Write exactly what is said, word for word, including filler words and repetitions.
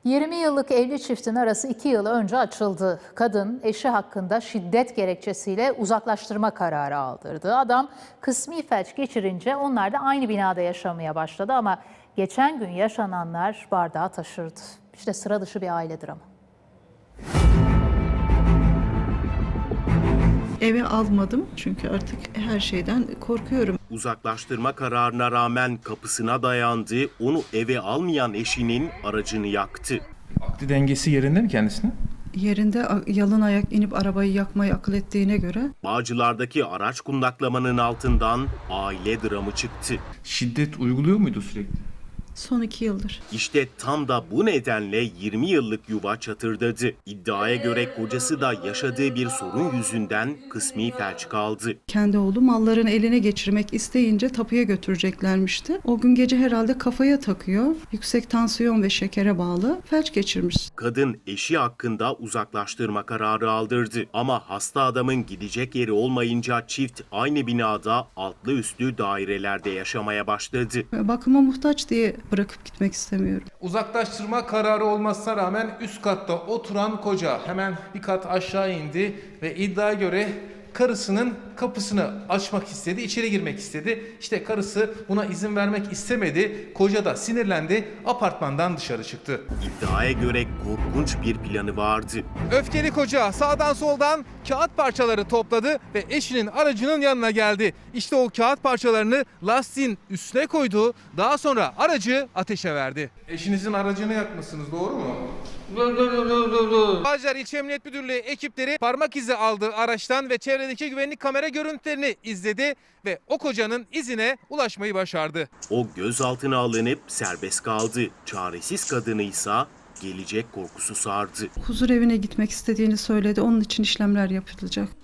yirmi yıllık evli çiftin arası iki yıl önce açıldı. Kadın eşi hakkında şiddet gerekçesiyle uzaklaştırma kararı aldırdı. Adam kısmi felç geçirince onlar da aynı binada yaşamaya başladı ama geçen gün yaşananlar bardağı taşırdı. İşte sıra dışı bir aile dramı. Eve almadım çünkü artık her şeyden korkuyorum. Uzaklaştırma kararına rağmen kapısına dayandı, onu eve almayan eşinin aracını yaktı. Akli dengesi yerinde mi kendisinin? Yerinde yalın ayak inip arabayı yakmayı akıl ettiğine göre Bağcılar'daki araç kundaklamanın altından aile dramı çıktı. Şiddet uyguluyor muydu sürekli? son iki yıldır. İşte tam da bu nedenle yirmi yıllık yuva çatırdadı. İddiaya göre kocası da yaşadığı bir sorun yüzünden kısmi felç kaldı. Kendi oğlu mallarını eline geçirmek isteyince tapuya götüreceklermişti. O gün gece herhalde kafaya takıyor. Yüksek tansiyon ve şekere bağlı felç geçirmiş. Kadın eşi hakkında uzaklaştırma kararı aldırdı. Ama hasta adamın gidecek yeri olmayınca çift aynı binada altlı üstlü dairelerde yaşamaya başladı. Bakıma muhtaç diye bırakıp gitmek istemiyorum. Uzaklaştırma kararı olmasına rağmen üst katta oturan koca hemen bir kat aşağı indi ve iddiaya göre karısının kapısını açmak istedi, içeri girmek istedi. İşte karısı buna izin vermek istemedi. Koca da sinirlendi, apartmandan dışarı çıktı. İddiaya göre korkunç bir planı vardı. Öfkeli koca sağdan soldan kağıt parçaları topladı ve eşinin aracının yanına geldi. İşte o kağıt parçalarını lastiğin üstüne koydu. Daha sonra aracı ateşe verdi. Eşinizin aracını yakmışsınız, doğru mu? Bağcılar İlçe Emniyet Müdürlüğü ekipleri parmak izi aldı araçtan ve çevredeki güvenlik kamera görüntülerini izledi ve o kocanın izine ulaşmayı başardı. O gözaltına alınıp serbest kaldı. Çaresiz kadını ise gelecek korkusu sardı. Huzur evine gitmek istediğini söyledi. Onun için işlemler yapılacak.